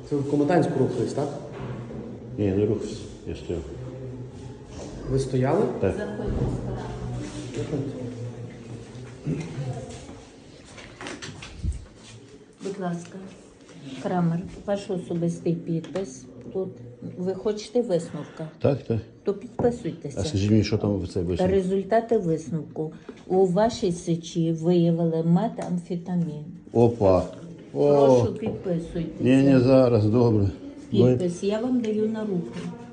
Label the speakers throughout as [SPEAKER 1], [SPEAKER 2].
[SPEAKER 1] Це в Комитанську рухались, так?
[SPEAKER 2] Ні, не рухався, я стояв.
[SPEAKER 1] Ви стояли?
[SPEAKER 2] Так.
[SPEAKER 3] Будь ласка, Крамер, ваш особистий підпис. Тут ви хочете висновка,
[SPEAKER 2] Так, так.
[SPEAKER 3] то підписуйтеся.
[SPEAKER 2] А скажіть мені, що там в цей
[SPEAKER 3] Та
[SPEAKER 2] висновок?
[SPEAKER 3] результати висновку. У вашій сечі виявили метамфетамін.
[SPEAKER 2] Опа. О,
[SPEAKER 3] Прошу, підписуйтеся.
[SPEAKER 2] ні, зараз, добре.
[SPEAKER 3] Підпис я вам даю на руку.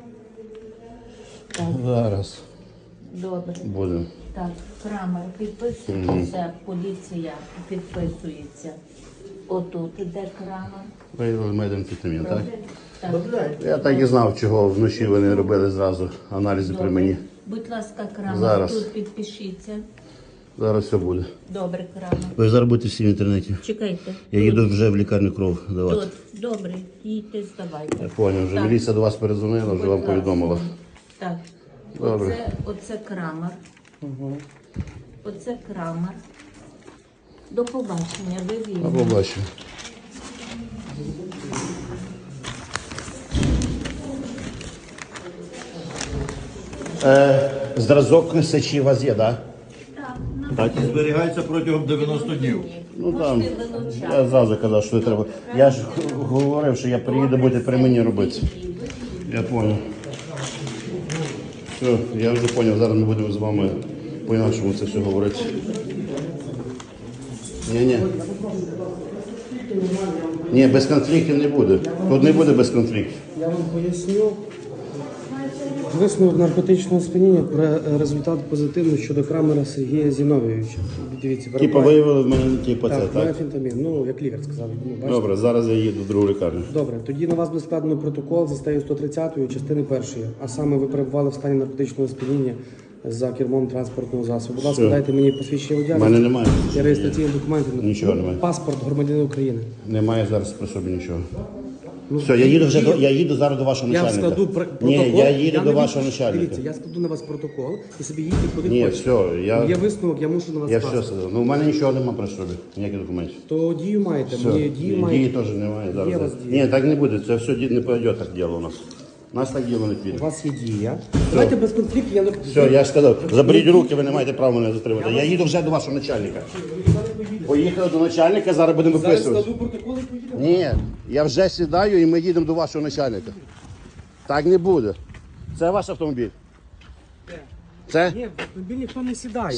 [SPEAKER 3] Так,
[SPEAKER 2] Зараз
[SPEAKER 3] добре.
[SPEAKER 2] будемо.
[SPEAKER 3] Так, Крамер, підписуйтеся, поліція підписується. Отут, де Крамер?
[SPEAKER 2] Виявили метамфетамін, так?
[SPEAKER 3] Так.
[SPEAKER 2] Я так і знав, чого вночі вони робили зразу аналізи при мені.
[SPEAKER 3] Будь ласка, Крамер,
[SPEAKER 2] Зараз.
[SPEAKER 3] тут підпишіться.
[SPEAKER 2] Зараз все буде.
[SPEAKER 3] Добре, Крамер.
[SPEAKER 2] Ви зараз будете всі в інтернеті.
[SPEAKER 3] Чекайте.
[SPEAKER 2] Я їду вже в лікарню кров давати.
[SPEAKER 3] Тут, добре, їдьте, здавайте.
[SPEAKER 2] Я зрозумів, вже
[SPEAKER 3] Так.
[SPEAKER 2] міліція до вас перезвонила, вже вам
[SPEAKER 3] Будь
[SPEAKER 2] повідомила.
[SPEAKER 3] ласка. Так.
[SPEAKER 2] Добре.
[SPEAKER 3] Оце Крамер. Оце Крамер. До побачення, ви
[SPEAKER 2] А
[SPEAKER 3] вільні.
[SPEAKER 2] побачимо. Зразок сечі у вас є, так?
[SPEAKER 3] Так,
[SPEAKER 4] І зберігається протягом 90 днів.
[SPEAKER 2] Ну там,
[SPEAKER 3] можете вилучати.
[SPEAKER 2] я зразу казав, що не треба. Я ж говорив, що я приїду, буде при мені робити. Я зрозумів. Все, я вже зрозумів, зараз ми будемо з вами по-інакшому це все говорити. Ні. Ні, без конфліктів не буде. Тут не буде без конфліктів.
[SPEAKER 1] Я вам поясню. Висновок наркотичного сп'яніння про результат позитивний щодо Крамера Сергія Зіновійовича. Дивіться,
[SPEAKER 2] Типа виявили в мене типа це,
[SPEAKER 1] Так,
[SPEAKER 2] так?
[SPEAKER 1] метамфетамін. Ну, як лікар сказав. Ну, бачите?
[SPEAKER 2] Добре, зараз я їду в другу лікарню.
[SPEAKER 1] Добре, тоді на вас буде складено протокол за статтею 130 частини 1. А саме ви перебували в стані наркотичного сп'яніння за кермом транспортного засобу. Будь ласка,
[SPEAKER 2] Все.
[SPEAKER 1] дайте мені посвідчення
[SPEAKER 2] У
[SPEAKER 1] водія.
[SPEAKER 2] мене немає.
[SPEAKER 1] І реєстраційні документи.
[SPEAKER 2] Нічого немає.
[SPEAKER 1] Паспорт громадянина України.
[SPEAKER 2] Немає зараз при собі нічого. Все, я їду вже я їду зараз до вашого
[SPEAKER 1] Я
[SPEAKER 2] начальника.
[SPEAKER 1] складу протокол.
[SPEAKER 2] Ні, я їду
[SPEAKER 1] не
[SPEAKER 2] до вашого
[SPEAKER 1] виключу.
[SPEAKER 2] начальника.
[SPEAKER 1] Дивіться, я складу на вас протокол і собі їдьте куди
[SPEAKER 2] Ні,
[SPEAKER 1] хочете.
[SPEAKER 2] все,
[SPEAKER 1] Є висновок, я мушу на вас
[SPEAKER 2] я все
[SPEAKER 1] скласти.
[SPEAKER 2] сказав. Ну, у мене нічого немає при собі, ніяких документів.
[SPEAKER 1] То дію маєте,
[SPEAKER 2] Все,
[SPEAKER 1] мені дію маєте.
[SPEAKER 2] дії теж немає.
[SPEAKER 1] Є
[SPEAKER 2] Зараз.
[SPEAKER 1] у вас дії.
[SPEAKER 2] Ні, так не буде, це все не пойде так діло у нас. У нас так діло не піде.
[SPEAKER 1] У вас є дія. Давайте без конфліктів, я не...
[SPEAKER 2] Все, я ж сказав, заберіть руки, ви не маєте права мене затримати. Я їду вже до вашого начальника. Поїхали до начальника, зараз будемо
[SPEAKER 1] Зараз
[SPEAKER 2] виписувати.
[SPEAKER 1] складу протокол і поїдемо.
[SPEAKER 2] Ні, я вже сідаю і ми їдемо до вашого начальника. Так не буде. Це ваш автомобіль? Це?
[SPEAKER 1] Ні, в автомобіль ніхто не сідає.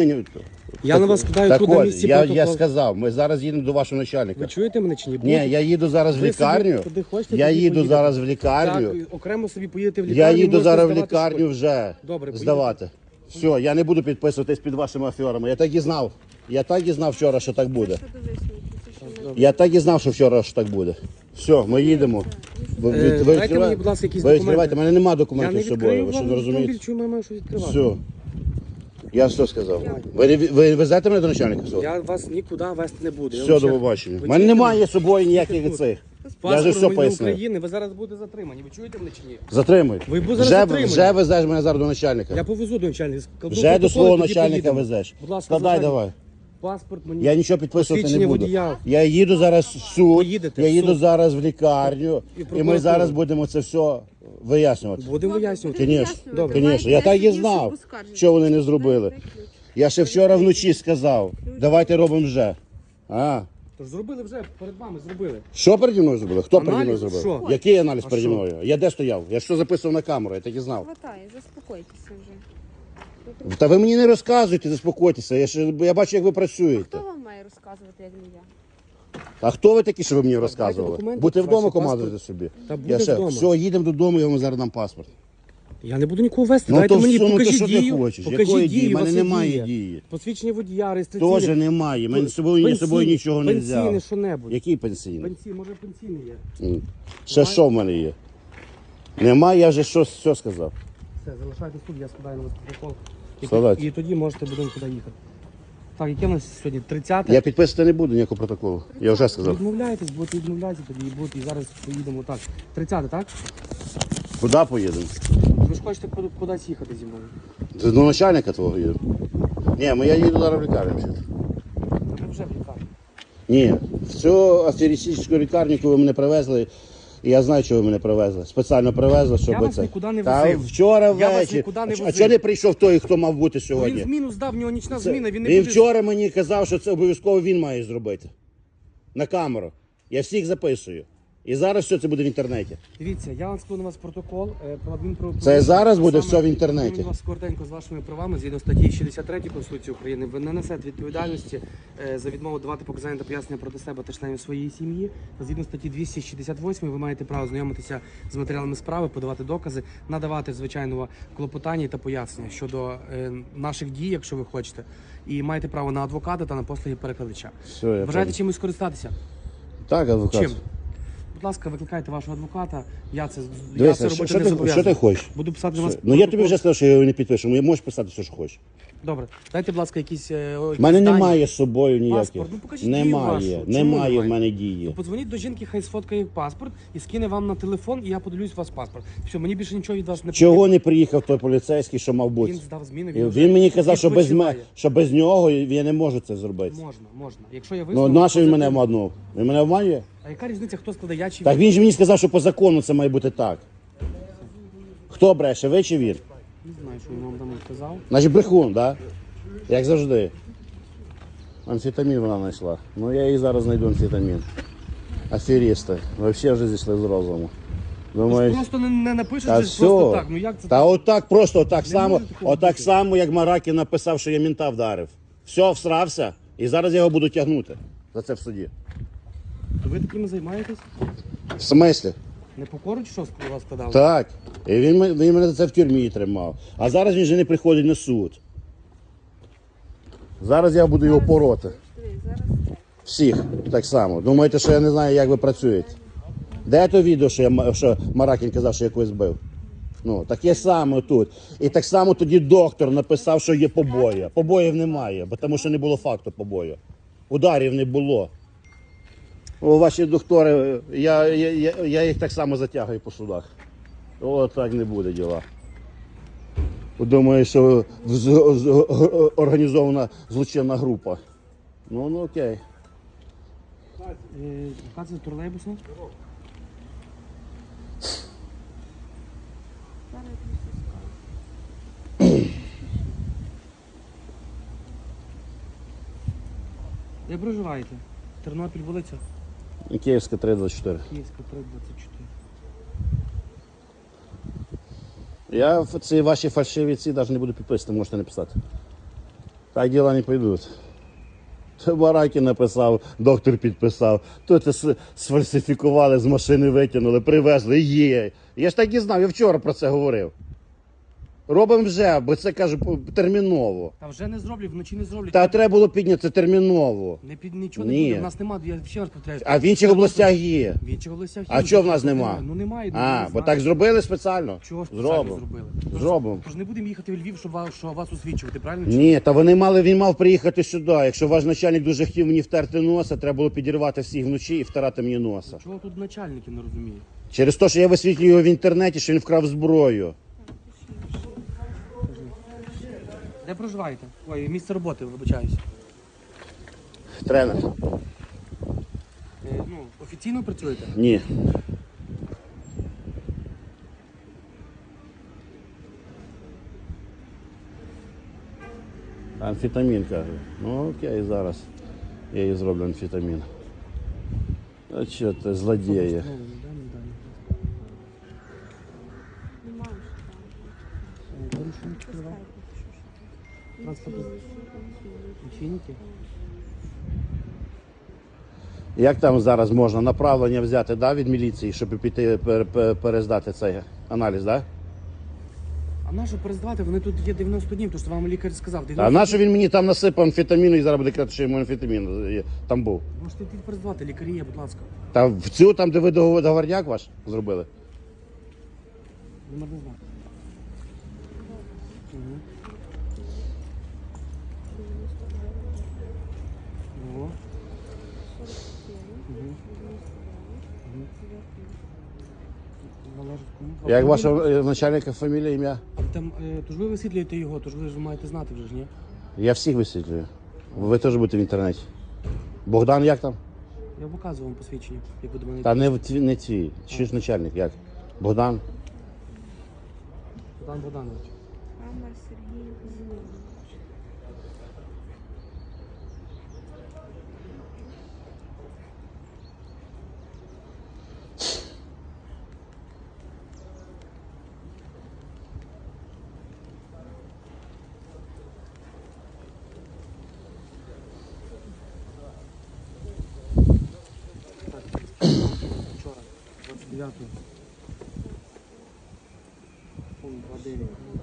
[SPEAKER 2] Я
[SPEAKER 1] на вас скидаю
[SPEAKER 2] так
[SPEAKER 1] тут на
[SPEAKER 2] от,
[SPEAKER 1] місці
[SPEAKER 2] я
[SPEAKER 1] протокол.
[SPEAKER 2] сказав, ми зараз їдемо до вашого начальника.
[SPEAKER 1] Ви чуєте мене чи ні?
[SPEAKER 2] Ні, я їду зараз в
[SPEAKER 1] Ви собі
[SPEAKER 2] лікарню.
[SPEAKER 1] куди хочете,
[SPEAKER 2] Я
[SPEAKER 1] туди
[SPEAKER 2] їду
[SPEAKER 1] поїдете.
[SPEAKER 2] зараз в лікарню.
[SPEAKER 1] Так, окремо собі поїдете в лікарню.
[SPEAKER 2] Я їду
[SPEAKER 1] можете
[SPEAKER 2] зараз в
[SPEAKER 1] здавати
[SPEAKER 2] лікарню
[SPEAKER 1] швидко.
[SPEAKER 2] вже
[SPEAKER 1] Добре,
[SPEAKER 2] здавати. Все, я не буду підписуватись під вашими аферами. Я так і знав. Я так і знав вчора, що так буде. Я так і знав, що вчора що так буде. Все, ми їдемо. Ви
[SPEAKER 1] Дайте мені, будь ласка, якісь
[SPEAKER 2] ви відкривайте.
[SPEAKER 1] документи.
[SPEAKER 2] У мене немає
[SPEAKER 1] Я
[SPEAKER 2] документів
[SPEAKER 1] не
[SPEAKER 2] з собою,
[SPEAKER 1] відкрию
[SPEAKER 2] ви що
[SPEAKER 1] вам
[SPEAKER 2] не
[SPEAKER 1] автомобіль,
[SPEAKER 2] розумієте?
[SPEAKER 1] чому я маю щось відкривати.
[SPEAKER 2] Все. Я все сказав. Ви везете мене до начальника? Все,
[SPEAKER 1] Я вас нікуди вести не буду. Я
[SPEAKER 2] все
[SPEAKER 1] вам
[SPEAKER 2] до
[SPEAKER 1] ще-
[SPEAKER 2] побачення.
[SPEAKER 1] Ви
[SPEAKER 2] У мене
[SPEAKER 1] чуєте
[SPEAKER 2] немає з собою ніяких
[SPEAKER 1] тут.
[SPEAKER 2] цих. Я
[SPEAKER 1] Паспорт
[SPEAKER 2] вже все
[SPEAKER 1] громадянина
[SPEAKER 2] пояснив.
[SPEAKER 1] України, ви зараз будете затримані. Ви чуєте мене чи ні?
[SPEAKER 2] Затримуй.
[SPEAKER 1] Ви будете зараз затримані.
[SPEAKER 2] Вже везеш мене зараз до начальника.
[SPEAKER 1] Я повезу до начальника. складу
[SPEAKER 2] Вже до
[SPEAKER 1] протокол,
[SPEAKER 2] свого
[SPEAKER 1] і тоді
[SPEAKER 2] начальника
[SPEAKER 1] поїдемо.
[SPEAKER 2] везеш.
[SPEAKER 1] Будь ласка,
[SPEAKER 2] Складай
[SPEAKER 1] звичайно.
[SPEAKER 2] давай.
[SPEAKER 1] Паспорт мені.
[SPEAKER 2] Я нічого підписувати не
[SPEAKER 1] Посвідчення
[SPEAKER 2] буду.
[SPEAKER 1] водія.
[SPEAKER 2] Я їду зараз в суд,
[SPEAKER 1] Поїдете
[SPEAKER 2] я
[SPEAKER 1] в
[SPEAKER 2] їду
[SPEAKER 1] суд.
[SPEAKER 2] зараз в лікарню,
[SPEAKER 1] І
[SPEAKER 2] і ми
[SPEAKER 1] прокуратуру.
[SPEAKER 2] зараз будемо це все вияснювати.
[SPEAKER 1] Будемо вияснювати.
[SPEAKER 2] Звісно,
[SPEAKER 1] Добре.
[SPEAKER 2] звісно. Я так і знав, що вони не зробили. Я ще вчора вночі сказав, давайте робимо вже. А,
[SPEAKER 1] Тож зробили вже, перед вами зробили.
[SPEAKER 2] що переді мною зробили? Хто переді мною
[SPEAKER 1] Аналіз?
[SPEAKER 2] зробив?
[SPEAKER 1] Що?
[SPEAKER 2] Який аналіз
[SPEAKER 1] А
[SPEAKER 2] переді
[SPEAKER 1] що?
[SPEAKER 2] мною? Я де стояв? Я що записував на камеру, я так і знав.
[SPEAKER 5] Хватає, заспокойтеся вже.
[SPEAKER 2] Та ви мені не розказуйте, заспокойтеся. Я бачу, як ви працюєте.
[SPEAKER 5] Хто вам має розказувати, як не я?
[SPEAKER 2] А хто ви такі, що ви мені розказували?
[SPEAKER 1] документи,
[SPEAKER 2] Будьте вдома,
[SPEAKER 1] ваші
[SPEAKER 2] командуйте
[SPEAKER 1] паспорт.
[SPEAKER 2] собі.
[SPEAKER 1] Та буде
[SPEAKER 2] Я ще,
[SPEAKER 1] вдома.
[SPEAKER 2] все, їдемо додому, я вам зараз дам паспорт.
[SPEAKER 1] Я не буду нікого вести.
[SPEAKER 2] Ну,
[SPEAKER 1] Дайте
[SPEAKER 2] то
[SPEAKER 1] мені,
[SPEAKER 2] все, ну, то
[SPEAKER 1] покажіть
[SPEAKER 2] що ти
[SPEAKER 1] дію.
[SPEAKER 2] хочеш?
[SPEAKER 1] Покажіть
[SPEAKER 2] Якої дії?
[SPEAKER 1] дію,
[SPEAKER 2] В мене
[SPEAKER 1] у вас є
[SPEAKER 2] немає
[SPEAKER 1] дія.
[SPEAKER 2] дії.
[SPEAKER 1] Посвідчення водія, реєстраційне.
[SPEAKER 2] Теж немає. Мене з собою нічого не взяв.
[SPEAKER 1] Пенсійне що-небудь.
[SPEAKER 2] Який пенсійний?
[SPEAKER 1] Пенсійний, може пенсійний є.
[SPEAKER 2] Ще що в мене є? Немає, я вже що сказав.
[SPEAKER 1] Все, залишайтесь тут, я складаю на вас протокол.
[SPEAKER 2] Складайте.
[SPEAKER 1] І тоді можете будемо туди їхати. Так, яке у нас сьогодні? 30?
[SPEAKER 2] Я підписувати не буду ніякого протоколу. Я вже сказав.
[SPEAKER 1] Відмовляєтесь, будете відмовлятися, тоді і будете, і зараз поїдемо так. 30, так?
[SPEAKER 2] Куди поїдемо?
[SPEAKER 1] Ви ж хочете кудись їхати зі мною?
[SPEAKER 2] Ти до начальника твого їду. Ні, я їду зараз в лікарню.
[SPEAKER 1] Та ми вже в лікарні.
[SPEAKER 2] Ні, в цю аферистичну лікарню, яку ви мене привезли, І я знаю, що ви мене привезли. Спеціально привезли, щоб
[SPEAKER 1] Я вас
[SPEAKER 2] це.
[SPEAKER 1] нікуди не
[SPEAKER 2] Та
[SPEAKER 1] возив.
[SPEAKER 2] вчора
[SPEAKER 1] Я вас
[SPEAKER 2] ввечері.
[SPEAKER 1] нікуди не
[SPEAKER 2] А
[SPEAKER 1] возив.
[SPEAKER 2] чого не прийшов той, хто мав бути
[SPEAKER 1] Він
[SPEAKER 2] сьогодні?
[SPEAKER 1] зміну здав, в нього нічна
[SPEAKER 2] Це-
[SPEAKER 1] зміна, він не
[SPEAKER 2] він
[SPEAKER 1] буде...
[SPEAKER 2] вчора мені казав, що це обов'язково він має зробити. На камеру. Я всіх записую. І зараз все це буде в інтернеті.
[SPEAKER 1] Дивіться, я вам складу на вас протокол про адмінправопорушення.
[SPEAKER 2] Це зараз буде
[SPEAKER 1] Саме
[SPEAKER 2] все в інтернеті.
[SPEAKER 1] ознайомлю вас коротенько з вашими правами згідно статті 63 Конституції України. Ви не несете відповідальності за відмову давати показання та пояснення проти себе та членів своєї сім'ї. Згідно статті 268 ви маєте право знайомитися з матеріалами справи, подавати докази, надавати звичайного клопотання та пояснення щодо наших дій, якщо ви хочете. І маєте право на адвоката та на послуги перекладача.
[SPEAKER 2] Все, я
[SPEAKER 1] Бажаєте
[SPEAKER 2] понял.
[SPEAKER 1] чимось скористатися?
[SPEAKER 2] Так, адвокат.
[SPEAKER 1] Чим? Будь ласка, викликайте вашого адвоката. Я це
[SPEAKER 2] Дивися,
[SPEAKER 1] робити
[SPEAKER 2] що
[SPEAKER 1] не
[SPEAKER 2] ти
[SPEAKER 1] зобов'язаний.
[SPEAKER 2] хочеш?
[SPEAKER 1] Буду писати на вас.
[SPEAKER 2] Ну я тобі
[SPEAKER 1] протокол.
[SPEAKER 2] вже сказав, що я його не підпишу. Ну, можеш писати все, що хочеш.
[SPEAKER 1] Добре. Дайте, будь ласка, якісь.
[SPEAKER 2] У мене немає з собою ніяких.
[SPEAKER 1] Паспорт. Ну, покажіть дію вашу.
[SPEAKER 2] Немає.
[SPEAKER 1] Чому
[SPEAKER 2] Немає в
[SPEAKER 1] немає?
[SPEAKER 2] мене дії.
[SPEAKER 1] То подзвоніть до жінки, хай сфоткає паспорт і скине вам на телефон, і я подивлюсь у вас паспорт. Все, мені більше нічого від вас не
[SPEAKER 2] Чого не приїхав той поліцейський, що мав бути?
[SPEAKER 1] Він здав зміну.
[SPEAKER 2] Він мені казав, що без,
[SPEAKER 1] відпочиває.
[SPEAKER 2] що без нього я не можу це зробити.
[SPEAKER 1] Можна. Якщо я
[SPEAKER 2] Ну,
[SPEAKER 1] висновок...
[SPEAKER 2] нащо він мене
[SPEAKER 1] позитивний.
[SPEAKER 2] обманув? Він мене обманює?
[SPEAKER 1] А яка різниця, хто складе, я чи
[SPEAKER 2] Так він ж мені сказав, що по закону це має бути так. Хто бреше, ви чи він?
[SPEAKER 1] Не знаю, що він вам там сказав.
[SPEAKER 2] Значить брехун, так? Да? Як завжди. Амфетамін вона знайшла. Ну я їй зараз знайду амфетамін. Аферісти. Взагалі вже зійшли з розуму. Думаю,
[SPEAKER 1] Просто не напишеш
[SPEAKER 2] та
[SPEAKER 1] же просто
[SPEAKER 2] все.
[SPEAKER 1] так. Ну як це
[SPEAKER 2] Та отак просто, отак
[SPEAKER 1] Не
[SPEAKER 2] само,
[SPEAKER 1] може такого
[SPEAKER 2] отак
[SPEAKER 1] бути.
[SPEAKER 2] само, як Маракін написав, що я мента вдарив. Все, всрався, і зараз я його буду тягнути за це в суді.
[SPEAKER 1] То ви такими займаєтесь?
[SPEAKER 2] В смислі?
[SPEAKER 1] Непокору чи що у вас складали?
[SPEAKER 2] Так. І він мене за це в тюрмі тримав. А зараз він вже не приходить на суд. Зараз я буду його пороти. Всіх так само. Думаєте, що я не знаю, як ви працюєте? Де то відео, що Маракін казав, що я когось бив? Ну, таке саме тут. І так само тоді доктор написав, що є побої. Побоїв немає, бо тому що не було факту побою. Ударів не було. О, ваші доктори, я їх так само затягую по судах. О, так не буде діла. Думаю, що організована злочинна група. Ну окей.
[SPEAKER 1] Яка це тролейбуса? Де проживаєте? Тернопіль, вулиця?
[SPEAKER 2] Київська 324.
[SPEAKER 1] Київська, 324.
[SPEAKER 2] Я в ці ваші фальшиві ці навіть не буду підписувати, можете написати. Так діла не пойдуть. То Баракін написав, доктор підписав, то це сфальсифікували, з машини витягнули, привезли, є. Я ж так і знав, я вчора про це говорив. Робимо вже, бо це, кажу, терміново.
[SPEAKER 1] Та вже не зроблять, вночі не зроблять.
[SPEAKER 2] Та треба було підняти терміново.
[SPEAKER 1] Нічого не
[SPEAKER 2] Ні.
[SPEAKER 1] буде, в нас немає, я ще раз повторяю.
[SPEAKER 2] А в інших областях є.
[SPEAKER 1] В інших областях
[SPEAKER 2] А
[SPEAKER 1] є.
[SPEAKER 2] чого в нас нема?
[SPEAKER 1] Ну немає.
[SPEAKER 2] А, бо так зробили спеціально?
[SPEAKER 1] Чого спеціально
[SPEAKER 2] Зробимо.
[SPEAKER 1] зробили?
[SPEAKER 2] Зробимо.
[SPEAKER 1] Тож не будемо їхати в Львів, щоб вас освічувати, правильно?
[SPEAKER 2] Ні, та він мав приїхати сюди. Якщо ваш начальник дуже хотів мені втерти носа, треба було підірвати всіх вночі і втирати мені носа.
[SPEAKER 1] Чого тут начальники не розуміють?
[SPEAKER 2] Через те, що я висвітлюю його в інтернеті, що він вкрав зброю.
[SPEAKER 1] Де проживаєте? Ой, місце роботи, вибачаюсь.
[SPEAKER 2] Тренер.
[SPEAKER 1] Ну, офіційно працюєте?
[SPEAKER 2] Ні. Амфетамін, каже. Ну окей, зараз я їй зроблю амфетамін. А що ти, злодіє?
[SPEAKER 1] Лічильники?
[SPEAKER 2] Як там зараз можна направлення взяти, да, від міліції, щоб піти перездати цей аналіз, да?
[SPEAKER 1] А на що перездавати? Вони тут є 90 днів, то що вам лікар сказав. 90
[SPEAKER 2] А на що він мені там насипав амфетаміну і зараз буде казати, що йому амфетамін там був?
[SPEAKER 1] Можете йти перездавати, лікарі є, будь ласка.
[SPEAKER 2] Та в цю, там, де ви договорняк ваш зробили?
[SPEAKER 1] Номер не знаю. Угу. Належить кому?
[SPEAKER 2] Як вашого начальника фамілія, ім'я?
[SPEAKER 1] А там, тож ви висвітлюєте його, тож ви ж маєте знати вже ж, ні?
[SPEAKER 2] Я всіх висвітлюю. Ви теж будете в інтернеті. Богдан як там?
[SPEAKER 1] Я показую вам посвідчення, як ви до мене.
[SPEAKER 2] Та не ці. Чи ж начальник, як? Богдан?
[SPEAKER 1] Богдан Богданович.
[SPEAKER 5] Крамер Сергій Зінович.
[SPEAKER 1] Вчора, 29-го. Пункт 2.9.